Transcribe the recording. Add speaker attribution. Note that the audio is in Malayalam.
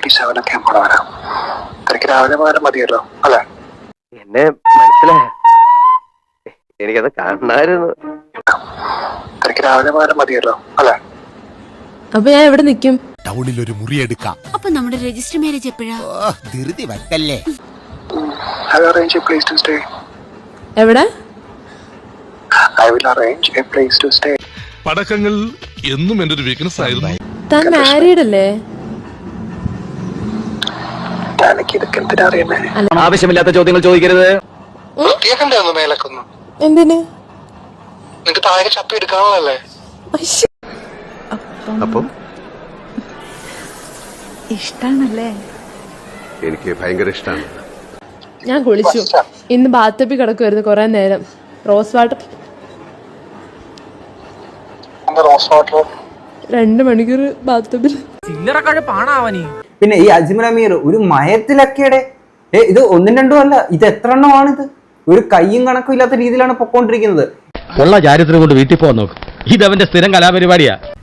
Speaker 1: 8:37 ഒക്കെ ആകുമ്പോൾ വരാം. തനിക്ക് രാവിലെ പോയാലും മതിയല്ലോ അല്ലെ?
Speaker 2: എന്നെ മനസ്സിലായ എനിക്കത് കാണായിരുന്നു.
Speaker 1: തനിക്ക് രാവിലെ പോയാലും മതിയല്ലോ അല്ലെ?
Speaker 3: അപ്പൊ ഞാൻ എവിടെ നിക്കും?
Speaker 4: ടൗണിൽ ഒരു മുറി എടുക്കാം.
Speaker 5: അപ്പൊ നമ്മുടെ രജിസ്റ്റർ മാരേജ് എപ്പോഴാ?
Speaker 4: ധൃതി വെക്കല്ലേ.
Speaker 1: I will arrange a place to stay.
Speaker 3: എവിടെ?
Speaker 1: I will arrange a place to stay.
Speaker 6: പടക്കങ്ങൾ എന്നും എന്റെ ഒരു വീക്ക്നെസ് ആയിരുന്നു.
Speaker 3: താൻ മാരീഡ് അല്ലേ?
Speaker 1: എനിക്ക് ഇതൊക്കെ എന്തിനാ അറിയുന്നേ?
Speaker 2: ആവശ്യമില്ലാത്ത ചോദ്യങ്ങൾ ചോദിക്കരുത്.
Speaker 1: വൃത്തിയാക്കണ്ടേ ഒന്ന് മേലക്കൊന്നും?
Speaker 3: എന്തിന്?
Speaker 1: നിനക്ക് താഴെ ചപ്പി എടുക്കാനുള്ളതല്ലേ?
Speaker 4: അപ്പം
Speaker 5: ഇഷ്ടാണല്ലേ?
Speaker 4: എനിക്ക് ഭയങ്കര ഇഷ്ടമാണ്.
Speaker 3: ഞാൻ കുളിച്ചു. ഇന്ന് ബാത്തപ്പി കിടക്കുമായിരുന്നു കുറെ നേരം. റോസ് വാട്ടർ
Speaker 1: റോസ് വാട്ടർ
Speaker 3: 2 മണിക്കൂർ ബാത്തപ്പിൽ.
Speaker 7: പിന്നെ ഈ അജ്മൽ അമീർ ഒരു മയത്തിലൊക്കെയുടെ ഇത് 1 2 അല്ല, ഇത് എത്ര എണ്ണമാണിത്? ഒരു കയ്യും കണക്കും ഇല്ലാത്ത രീതിയിലാണ് പൊക്കോണ്ടിരിക്കുന്നത്.
Speaker 8: ഉള്ള ചാരിത്രം കൊണ്ട് വീട്ടിൽ പോകാൻ നോക്കും. ഇതവന്റെ സ്ഥിരം കലാപരിപാടിയാ.